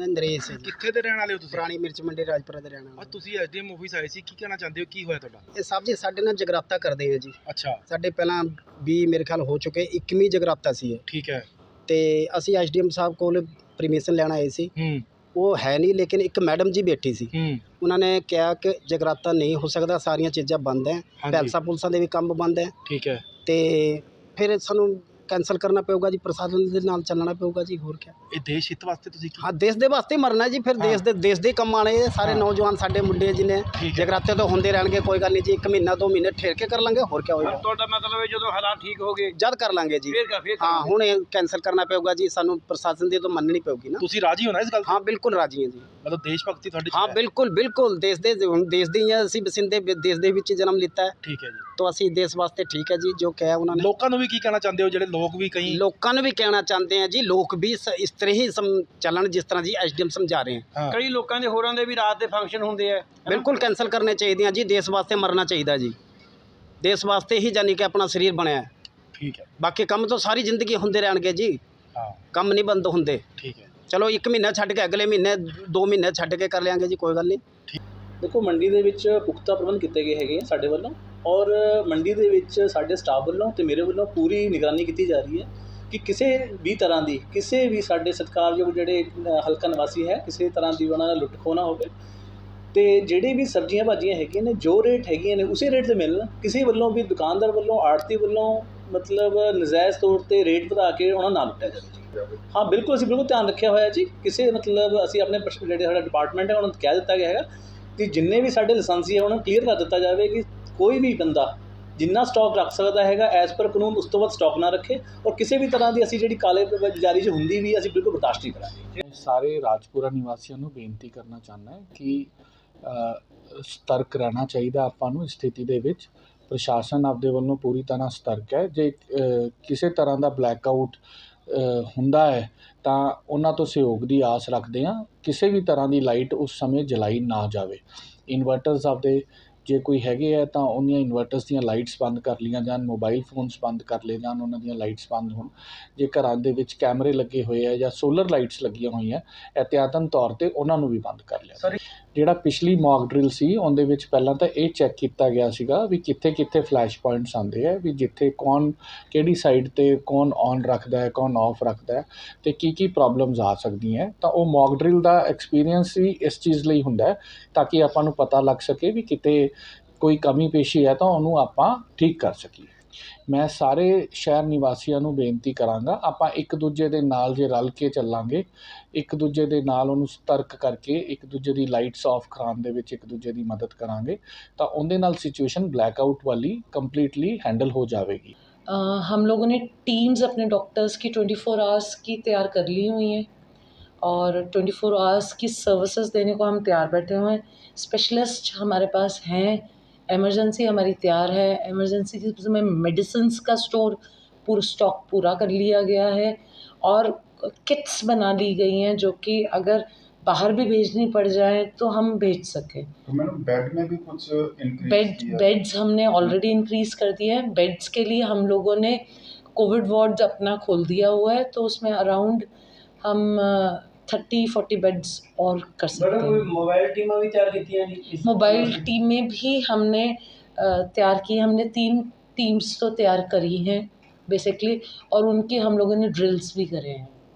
मैं नरेश है जी। ਕਿੱਥੇ ਦੇ ਰਹਿਣ ਵਾਲੇ ਹੋ ਤੁਸੀਂ? पुरानी मिर्च मंडी राजपुरा ਦੇ ਰਹਿਣ ਆ ਵਾਲਾ। ਤੁਸੀਂ ਐਸਡੀਐਮ ਆਫਿਸ ਆਏ ਸੀ, ਕੀ ਕਹਿਣਾ ਚਾਹੁੰਦੇ ਹੋ, ਕੀ ਹੋਇਆ ਤੁਹਾਡਾ? ਇਹ ਸਾਹਿਬ ਜੀ ਸਾਡੇ ਨਾਲ ਜਗਰਾਤਾ ਕਰਦੇ ਆ ਜੀ। ਅੱਛਾ ਸਾਡੇ ਪਹਿਲਾਂ ਵੀ ਮੇਰੇ ਖਿਆਲ ਹੋ ਚੁੱਕੇ 21ਵੀਂ ਜਗਰਾਤਾ ਸੀ ਇਹ, ਠੀਕ ਹੈ। ਤੇ ਅਸੀਂ ਐਸਡੀਐਮ ਸਾਹਿਬ ਕੋਲ ਪਰਮਿਸ਼ਨ ਲੈਣ ਆਏ ਸੀ। ਉਹ ਹੈ ਨਹੀਂ, ਲੇਕਿਨ ਇੱਕ ਮੈਡਮ ਜੀ ਬੈਠੀ ਸੀ। ਉਹਨਾਂ ਨੇ ਕਿਹਾ ਕਿ ਜਗਰਾਤਾ ਨਹੀਂ ਹੋ ਸਕਦਾ, ਸਾਰੀਆਂ ਚੀਜ਼ਾਂ ਬੰਦ ਹੈ, ਪੈਲਸਾਂ ਪੁਲਸਾਂ ਦੇ ਵੀ ਕੰਮ ਬੰਦ ਹੈ, ਠੀਕ ਹੈ। ਤੇ ਫਿਰ ਸਾਨੂੰ ਕੈਂਸਲ ਕਰਨਾ ਪਊਗਾ ਜੀ, ਪ੍ਰਸ਼ਾਸਨ ਦੇ ਨਾਲ ਚੱਲਣਾ ਪਊਗਾ ਜੀ, ਹੋਰ ਕਿਆ। ਇਹ ਦੇਸ਼ ਹਿੱਤ ਵਾਸਤੇ ਤੁਸੀਂ ਕੀ? ਹਾਂ, ਦੇਸ਼ ਦੇ ਵਾਸਤੇ ਮਰਨਾ ਜੀ, ਫਿਰ ਦੇਸ਼ ਦੇ ਕੰਮ ਆਣੇ ਸਾਰੇ ਨੌਜਵਾਨ ਸਾਡੇ ਮੁੰਡੇ ਜਿਹਨੇ ਜਗਰਾਤੇ ਤੋਂ ਹੁੰਦੇ ਰਹਿਣਗੇ, ਕੋਈ ਗੱਲ ਨਹੀਂ ਜੀ, 1 ਮਹੀਨਾ 2 ਮਹੀਨੇ ਠਹਿਰ ਕੇ ਕਰ ਲਾਂਗੇ, ਹੋਰ ਕਿਆ ਹੋਏਗਾ। ਤੁਹਾਡਾ ਮਤਲਬ ਹੈ ਜਦੋਂ ਹਾਲਾਤ ਠੀਕ ਹੋ ਗਏ ਜਦ ਕਰ ਲਾਂਗੇ ਜੀ। ਹਾਂ, ਹੁਣ ਇਹ ਕੈਂਸਲ ਕਰਨਾ ਪਊਗਾ ਜੀ, ਸਾਨੂੰ ਪ੍ਰਸ਼ਾਸਨ ਦੀ ਤਾਂ ਮੰਨਣੀ ਪਊਗੀ ਨਾ। ਤੁਸੀਂ ਰਾਜੀ ਹੋ ਨਾ ਇਸ ਗੱਲ ਤੋਂ? ਹਾਂ, ਬਿਲਕੁਲ ਰਾਜੀ ਹਾਂ ਜੀ। ਮਤਲਬ ਦੇਸ਼ ਭਗਤੀ ਤੁਹਾਡੀ? ਹਾਂ, ਬਿਲਕੁਲ ਬਿਲਕੁਲ, ਦੇਸ਼ ਦੇ ਹੀ ਹਾਂ ਅਸੀਂ, ਬਸਿੰਦੇ ਦੇਸ਼ ਦੇ ਵਿੱਚ ਜਨਮ ਲਿੱਤਾ ਹੈ, ਠੀਕ ਹੈ ਜੀ। ਤਾਂ ਅਸੀਂ ਦੇਸ਼ ਵਾਸਤੇ ਠੀਕ ਹੈ ਜੀ, ਜੋ ਕਿਹਾ ਉਹਨਾਂ ਨੇ। ਲੋਕਾਂ ਨੂੰ ਵੀ ਕੀ ਕਹਿਣਾ ਚਾਹੁੰਦੇ ਹੋ, ਜਿਹੜੇ ਲੋਕ ਵੀ ਕਈ ਲੋਕਾਂ ਨੂੰ ਵੀ ਕਹਿਣਾ ਚਾਹੁੰਦੇ ਆ ਜੀ, ਲੋਕ ਵੀ ਇਸ ਤਰ੍ਹਾਂ ਹੀ ਚੱਲਣ ਜਿਸ ਤਰ੍ਹਾਂ ਜੀ ਐਸਡੀਐਮ ਸਮਝਾ ਰਹੇ ਆ। ਕਈ ਲੋਕਾਂ ਦੇ ਹੋਰਾਂ ਦੇ ਵੀ ਰਾਤ ਦੇ ਫੰਕਸ਼ਨ ਹੁੰਦੇ ਆ, ਬਿਲਕੁਲ ਕੈਂਸਲ ਕਰਨੇ ਚਾਹੀਦੇ ਆ ਜੀ, ਦੇਸ਼ ਵਾਸਤੇ ਮਰਨਾ ਚਾਹੀਦਾ ਜੀ, ਦੇਸ਼ ਵਾਸਤੇ ਹੀ ਜਾਨੀ ਕਿ ਆਪਣਾ ਸਰੀਰ ਬਣਿਆ, ਠੀਕ ਹੈ। ਬਾਕੀ ਕੰਮ ਤਾਂ ਸਾਰੀ ਜ਼ਿੰਦਗੀ ਹੁੰਦੇ ਰਹਿਣਗੇ ਜੀ, ਕੰਮ ਨਹੀਂ ਬੰਦ ਹੁੰਦੇ, ਠੀਕ ਹੈ। ਚਲੋ 1 ਮਹੀਨਾ ਛੱਡ ਕੇ ਅਗਲੇ ਮਹੀਨੇ 2 ਮਹੀਨੇ ਛੱਡ ਕੇ ਕਰ ਲਿਆਂਗੇ ਜੀ, ਕੋਈ ਗੱਲ ਨਹੀਂ। ਦੇਖੋ, ਮੰਡੀ ਦੇ ਵਿੱਚ ਪੁਖਤਾ ਪ੍ਰਬੰਧ ਕੀਤੇ ਗਏ ਹੈਗੇ ਆ ਸਾਡੇ ਵੱਲੋਂ, ਔਰ ਮੰਡੀ ਦੇ ਵਿੱਚ ਸਾਡੇ ਸਟਾਫ ਵੱਲੋਂ ਤੇ ਮੇਰੇ ਵੱਲੋਂ ਪੂਰੀ ਨਿਗਰਾਨੀ ਕੀਤੀ ਜਾ ਰਹੀ ਹੈ ਕਿ ਕਿਸੇ ਵੀ ਤਰ੍ਹਾਂ ਦੀ, ਕਿਸੇ ਵੀ ਸਾਡੇ ਸਤਿਕਾਰਯੋਗ ਜਿਹੜੇ ਹਲਕਾ ਨਿਵਾਸੀ ਹੈ, ਕਿਸੇ ਤਰ੍ਹਾਂ ਦੀ ਉਹਨਾਂ ਦਾ ਲੁੱਟ ਖੋਹ ਨਾ ਹੋਵੇ, ਤੇ ਜਿਹੜੇ ਵੀ ਸਬਜ਼ੀਆਂ ਭਾਜੀਆਂ ਹੈਗੀਆਂ ਨੇ ਜੋ ਰੇਟ ਹੈਗੀਆਂ ਨੇ ਉਸੇ ਰੇਟ 'ਤੇ ਮਿਲਣ। ਕਿਸੇ ਵੱਲੋਂ ਵੀ, ਦੁਕਾਨਦਾਰ ਵੱਲੋਂ, ਆੜਤੀ ਵੱਲੋਂ ਮਤਲਬ ਨਜਾਇਜ਼ ਤੌਰ 'ਤੇ ਰੇਟ ਵਧਾ ਕੇ ਉਹਨਾਂ ਨਾਲ ਲੁੱਟਿਆ ਜਾਵੇ ਜੀ। ਹਾਂ, ਬਿਲਕੁਲ, ਅਸੀਂ ਬਿਲਕੁਲ ਧਿਆਨ ਰੱਖਿਆ ਹੋਇਆ ਜੀ। ਕਿਸੇ ਮਤਲਬ ਅਸੀਂ ਆਪਣੇ ਜਿਹੜੇ ਸਾਡਾ ਡਿਪਾਰਟਮੈਂਟ ਹੈ ਉਹਨਾਂ ਨੂੰ ਕਹਿ ਦਿੱਤਾ ਗਿਆ ਹੈਗਾ ਕਿ ਜਿੰਨੇ ਵੀ ਸਾਡੇ ਲਾਇਸੈਂਸੀ ਹੈ ਉਹਨਾਂ ਨੂੰ ਕਲੀਅਰ ਕਰ ਦਿੱਤਾ ਜਾਵੇ ਕਿ ਕੋਈ ਵੀ ਬੰਦਾ ਜਿੰਨਾ ਸਟਾਕ ਰੱਖ ਸਕਦਾ ਹੈਗਾ ਐਜ਼ ਪਰ ਕਾਨੂੰਨ ਉਸ ਤੋਂ ਬਾਅਦ ਸਟਾਕ ਨਾ ਰੱਖੇ, ਔਰ ਕਿਸੇ ਵੀ ਤਰ੍ਹਾਂ ਦੀ ਅਸੀਂ ਜਿਹੜੀ ਕਾਲੇ ਬਾਜ਼ਾਰੀ 'ਚ ਹੁੰਦੀ ਵੀ ਅਸੀਂ ਬਿਲਕੁਲ ਬਰਦਾਸ਼ਤ ਨਹੀਂ ਕਰਾਂਗੇ। ਸਾਰੇ ਰਾਜਪੁਰਾ ਨਿਵਾਸੀਆਂ ਨੂੰ ਬੇਨਤੀ ਕਰਨਾ ਚਾਹੁੰਦਾ ਹੈ ਕਿ ਸਤਰਕ ਰਹਿਣਾ ਚਾਹੀਦਾ ਆਪਾਂ ਨੂੰ ਇਸ ਸਥਿਤੀ ਦੇ ਵਿੱਚ। ਪ੍ਰਸ਼ਾਸਨ ਆਪਦੇ ਵੱਲੋਂ ਪੂਰੀ ਤਰ੍ਹਾਂ ਸਤਰਕ ਹੈ। ਜੇ ਕਿਸੇ ਤਰ੍ਹਾਂ ਦਾ ਬਲੈਕਆਊਟ ਹੁੰਦਾ ਹੈ ਤਾਂ ਉਹਨਾਂ ਤੋਂ ਸਹਿਯੋਗ ਦੀ ਆਸ ਰੱਖਦੇ ਹਾਂ। ਕਿਸੇ ਵੀ ਤਰ੍ਹਾਂ ਦੀ ਲਾਈਟ ਉਸ ਸਮੇਂ ਜਲਾਈ ਨਾ ਜਾਵੇ। ਇਨਵਰਟਰਸ ਆਪਦੇ ਜੇ ਕੋਈ ਹੈਗੇ ਆ ਤਾਂ ਉਹਦੀਆਂ ਇਨਵਰਟਰਸ ਦੀਆਂ ਲਾਈਟਸ ਬੰਦ ਕਰ ਲਈਆਂ ਜਾਣ, ਮੋਬਾਈਲ ਫੋਨਸ ਬੰਦ ਕਰ ਲਏ ਜਾਣ, ਉਹਨਾਂ ਦੀਆਂ ਲਾਈਟਸ ਬੰਦ ਹੋਣ। ਜੇ ਘਰਾਂ ਦੇ ਵਿੱਚ ਕੈਮਰੇ ਲੱਗੇ ਹੋਏ ਆ ਜਾਂ ਸੋਲਰ ਲਾਈਟਸ ਲੱਗੀਆਂ ਹੋਈਆਂ, ਇਹਤਿਆਤਨ ਤੌਰ 'ਤੇ ਉਹਨਾਂ ਨੂੰ ਵੀ ਬੰਦ ਕਰ ਲਿਆ। ਜਿਹੜਾ ਪਿਛਲੀ ਮੌਕ ਡਰਿਲ ਸੀ ਉਹਦੇ ਵਿੱਚ ਪਹਿਲਾਂ ਤਾਂ ਇਹ ਚੈੱਕ ਕੀਤਾ ਗਿਆ ਸੀਗਾ ਵੀ ਕਿੱਥੇ ਕਿੱਥੇ ਫਲੈਸ਼ ਪੁਆਇੰਟਸ ਆਉਂਦੇ ਆ, ਵੀ ਜਿੱਥੇ ਕੌਣ ਕਿਹੜੀ ਸਾਈਡ 'ਤੇ ਕੌਣ ਔਨ ਰੱਖਦਾ ਹੈ, ਕੌਣ ਆਫ ਰੱਖਦਾ ਹੈ, ਅਤੇ ਕੀ ਪ੍ਰੋਬਲਮਸ ਆ ਸਕਦੀਆਂ। ਤਾਂ ਉਹ ਮੌਕ ਡਰਿਲ ਦਾ ਐਕਸਪੀਰੀਅੰਸ ਹੀ ਇਸ ਚੀਜ਼ ਲਈ ਹੁੰਦਾ ਹੈ ਤਾਂ ਕਿ ਆਪਾਂ ਨੂੰ ਪਤਾ ਲੱਗ ਸਕੇ ਵੀ ਕਿਤੇ ਕੋਈ ਕਮੀ ਪੇਸ਼ੀ ਹੈ ਤਾਂ ਉਹਨੂੰ ਆਪਾਂ ਠੀਕ ਕਰ ਸਕੀਏ। ਮੈਂ ਸਾਰੇ ਸ਼ਹਿਰ ਨਿਵਾਸੀਆਂ ਨੂੰ ਬੇਨਤੀ ਕਰਾਂਗਾ, ਆਪਾਂ ਇੱਕ ਦੂਜੇ ਦੇ ਨਾਲ ਜੇ ਰਲ ਕੇ ਚੱਲਾਂਗੇ, ਇੱਕ ਦੂਜੇ ਦੇ ਨਾਲ ਉਹਨੂੰ ਸਤਰਕ ਕਰਕੇ ਇੱਕ ਦੂਜੇ ਦੀ ਲਾਈਟਸ ਆਫ ਕਰਾਉਣ ਦੇ ਵਿੱਚ ਇੱਕ ਦੂਜੇ ਦੀ ਮਦਦ ਕਰਾਂਗੇ ਤਾਂ ਉਹਦੇ ਨਾਲ सिचुएशन ब्लैकआउट वाली कम्प्लीटली हैंडल हो जाएगी। हम लोगों ने टीम्स अपने डॉक्टर्स की 24 आवर्स की तैयार कर ली हुई हैं और 24 आवर्स की सर्विसेज देने को हम तैयार बैठे हुए हैं। स्पेशलिस्ट हमारे पास हैं, एमरजेंसी हमारी तैयार है। एमरजेंसी में मेडिसिन्स का स्टॉक पूरा कर लिया गया है और किट्स बना ली गई हैं जो कि अगर बाहर भी भेजनी पड़ जाए तो हम भेज सकें। तो मैडम बेड में भी कुछ बेड्स हमने ऑलरेडी इंक्रीज़ कर दिए हैं। बेड्स के लिए हम लोगों ने कोविड वार्ड अपना खोल दिया हुआ है, तो उसमें अराउंड हम 30-40 बेड्स और कर सकते हैं। मोबाइल टीमें भी तैयार की? मोबाइल टीमें भी हमने तैयार की। हमने 3 टीम्स तो तैयार करी हैं बेसिकली, और उनकी हम लोगों ने ड्रिल्स भी करे हैं।